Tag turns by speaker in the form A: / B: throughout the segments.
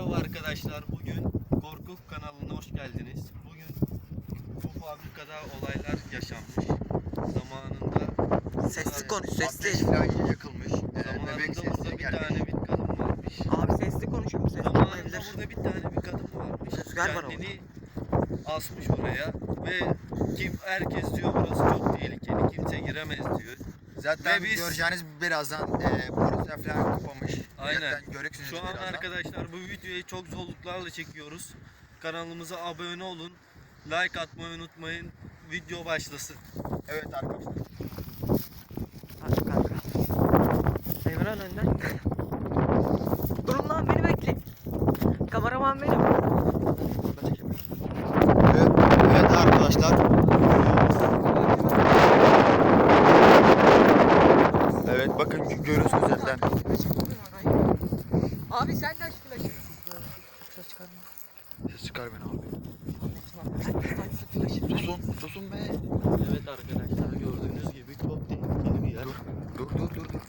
A: Merhaba arkadaşlar, bugün Korkuf kanalına hoş geldiniz. Bugün bu fabrikada olaylar yaşanmış. Zamanında
B: Sesli konuş, sesli.
C: Ateş falan yakılmış. Bebek
A: zamanında
C: sesleri
A: burada bir
C: gelmiş.
A: tane bir kadın varmış.
B: Abi sesli konuşuyor, sesli
A: Zamanında
B: olabilir.
A: burada bir tane bir kadın varmış.
B: Rüzgar var
A: Kendini asmış oraya ve herkes diyor burası çok tehlikeli, kimse giremez diyor.
C: Zaten
A: Ve biz-
C: göreceğiniz birazdan polisler falan kapamış.
A: Aynen.
C: Zaten göreceksiniz
A: Şu an
C: birazdan.
A: arkadaşlar bu videoyu çok zorluklarla çekiyoruz. Kanalımıza abone olun. Like atmayı unutmayın. Video başlasın.
C: Evet arkadaşlar.
B: Hadi kanka. Emran önden. Durun lan, beni bekle. Kameraman benim.
C: Evet, evet arkadaşlar. Evet bakın görüyorsunuz zaten.
B: Abi sen de aç flaşı. Ses çıkarma.
C: Ses çıkar beni abi.
B: Flaşı.
C: Susun be.
A: Evet arkadaşlar gördüğünüz gibi çok tehlikeli bir yer.
C: Dur.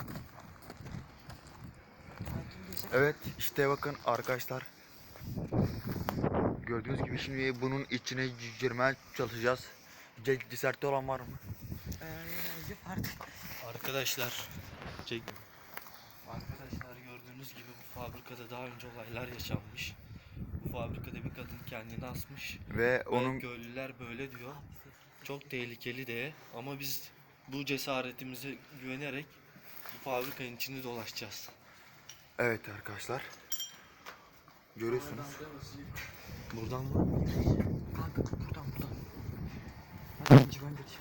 C: Evet işte bakın arkadaşlar. Gördüğünüz gibi şimdi bunun içine girmeye çalışacağız. Cesareti olan var mı?
B: Artık.
A: Arkadaşlar Arkadaşlar gördüğünüz gibi bu fabrikada daha önce olaylar yaşanmış. Bu fabrikada bir kadın kendini asmış.
C: Ve onun
A: Köylüler böyle diyor. Çok tehlikeli de ama biz bu cesaretimize güvenerek bu fabrikanın içinde dolaşacağız.
C: evet arkadaşlar. Görüyorsunuz.
A: Buradan mı?
B: Kanka buradan. Hadi civan geç.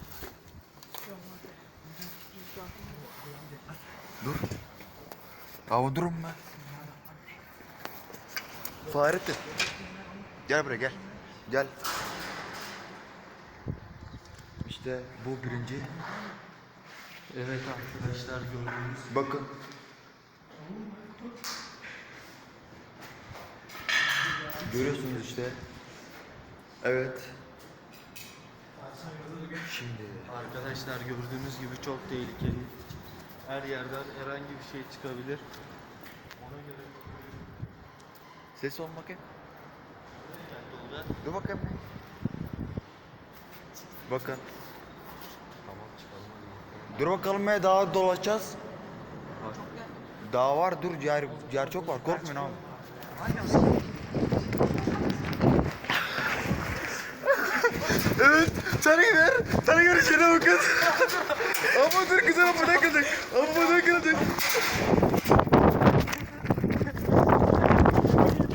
C: Dur. Ama durun be. Fahrettin. Gel buraya gel. Gel. İşte bu birinci.
A: Evet arkadaşlar gördüğünüz gibi.
C: Bakın. Görüyorsunuz işte. Evet. Şimdi
A: Arkadaşlar gördüğünüz gibi çok tehlikeli. Her yerden herhangi bir şey çıkabilir. Ona göre
C: ses ol bakayım.
A: dikkatli olun.
C: Dur bakayım. Bakın.
A: Tamam çıkalım hadi.
C: Dur bakalım ya daha dolaşacağız. Daha var dur yer çok var korkmayın abi. Evet sana görüşene bakın. Ama dur güzel ama ne kıldık. Ama ne kıldık.